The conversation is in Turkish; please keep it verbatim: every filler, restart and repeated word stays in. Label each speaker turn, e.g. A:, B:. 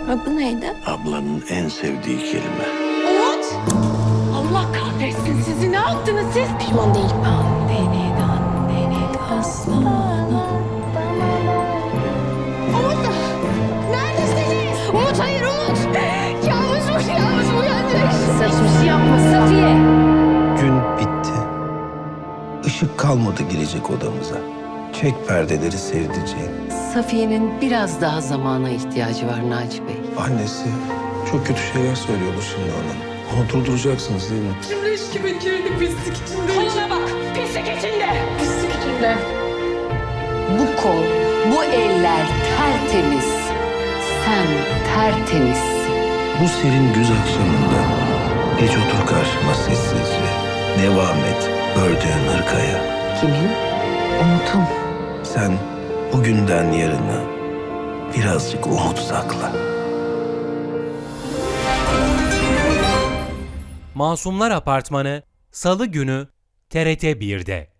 A: Adı neydi?
B: Ablanın en sevdiği kelime.
A: Umut! Allah kahretsin sizi. Ne yaptınız siz? Pişman değilim. Dandini dandini aslanım. Umut! Neredesiniz? Umut hayır Umut! Yağmur bu, yağmur uyanacak. Saçmış yapma Safiye.
C: Gün bitti. Işık kalmadı girecek odamıza. Çek perdeleri sevdiceğim.
D: Safiye'nin biraz daha zamana ihtiyacı var Naci Bey.
C: Annesi çok kötü şeyler söylüyordu şimdi ona. Onu durduracaksınız değil mi?
A: Koluna bak. Pislik içinde. Pislik içinde.
D: Bu kol, bu eller tertemiz. Sen tertemizsin.
C: Bu serin güz akşamında geç otur karşıma sessizce. Devam et ördüğün hırkaya.
D: Kimin? Umut'un.
C: Sen bugünden yarına birazcık umut sakla.
E: Masumlar Apartmanı Salı günü T R T bir'de.